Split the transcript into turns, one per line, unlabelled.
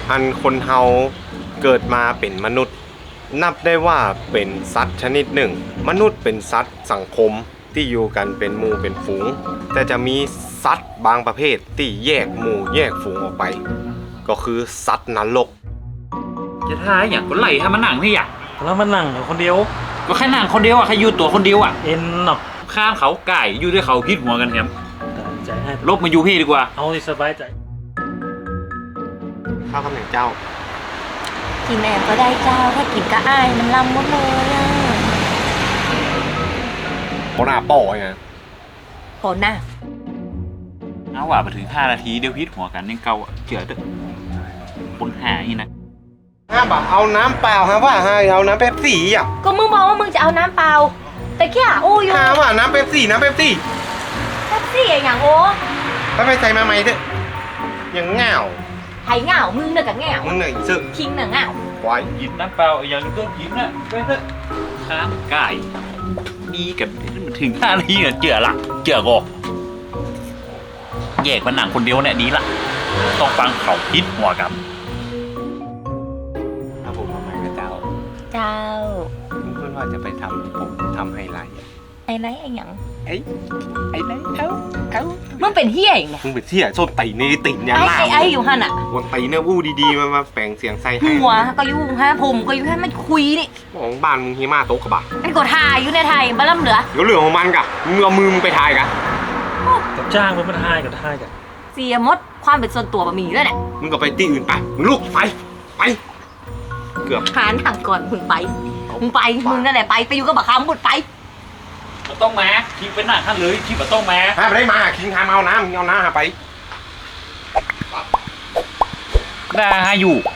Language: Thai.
อันคนเฮาเกิดมาเป็นมนุษย์ นับได้ว่าเป็นสัตว์ชนิดหนึ่งมนุษย์เป็นสัตว์สังคมที่อยู่กันเป็นหมู่เป็นฝูงแต่จะมีสัตว์บางประเภทที่แยกหมู่แยกฝูงออกไปก็คือสัตว์นรก
จะท้ายอย่างก็ไล่ให้มันหนังที่อยาก
แล้วมันนั่งคนเดียว
ก็แค่หนังคนเดียวอ่ะใครอยู่ตัวคนเดียวอ่ะ
เอ็นหนับ
ข้ามเขาไก่อยู่ด้วยเขาพิษหัวกันครับ
ใจให้
ลบมาอยู่พี่ดีกว่า
เอาที่สบายใจ
ข้าวคำหนึ่งเจ้า
กินแอบก็ได้เจ้าถ้ากินก็อายมันลำหมดเลยอ่ะ
เขาหน้าป่อไง
โหน่ะ
เอาว่าไปถึง5 นาทีเดี๋ยวพิษหัวกันยังเก่าอ่ะเจือเด้อคนหาอีนะ
บ่เอาน้ำเปล่าว่าเอาน้ำเป๊ปซี่อ่ะ
ก็มึงบอกว่ามึงจะเอาน้ำเปล่าแต่แค่อู้อยู่
ว่าน้ำเป๊ปซี่น้ำเป๊ปซี่
แท็กซี่อย่างโอ้
ไปใส่มาใหม่เถอะยังเงา
ไห่เหงามึงเน่ะกับเหงา
มึงเหนื่อยสึก
คิงเน่ะเหงา
ไว้
หยิบน้ำเปล่าอย่างนี้ก็หยิบนะไปเถอะข้ามไก่ดีกันถึง5 นาทีเนี่ยเจือละเจือกอแยกมันหนังคนเดียวเนี่ยดีละต้องฟังเขาพิษหัวกัน
ถ้าผมมาใหม่กับเจ้า
เจ้า
มึงเพื่อนว่าจะไปทำผมทำไฮไลท์
ไอ้ไรไอ้หยัง
ไอ้ไหนเอา
มึงเป็นเฮียอย่างเนี่ย
มึงไปเที่ยส้นตีในติ่นเนี่ย
ไอ้อยู่หันอ่ะ
วันตีเนี่ยอู้ดีๆมาแปลงเสียงใส่ให้
หัวก็อยู่ฮะผมก็อยู่ให้มันคุยนี่
ของบ้านมึงเฮียมาโต๊ะกระบะ
มันกดถ่ายอยู่ในไทยบ้าล่ำเหลือ
เดี๋ยวเรื่องของมันกะมึงเอามือมึงไปถ่ายกะ
กับจ้างมันทายกับทายกัน
เสียมดความเป็นส่วนตัวบะหมี่ด้วยเนี่ย
มึงก็ไปที่อื่นไปมึงลุกไปเกือบ
หาทางก่อนมึงไปมึงนั่นแหละไปอยู่กับบักคำบุดไป
มันต้องมาคิดเป็นหนังท่านเลยคิดว่าต้องมา
ถ้าไปได้มาคิงทามเอาน้ำมึงเอาน้ำหาไป
ได้อยู่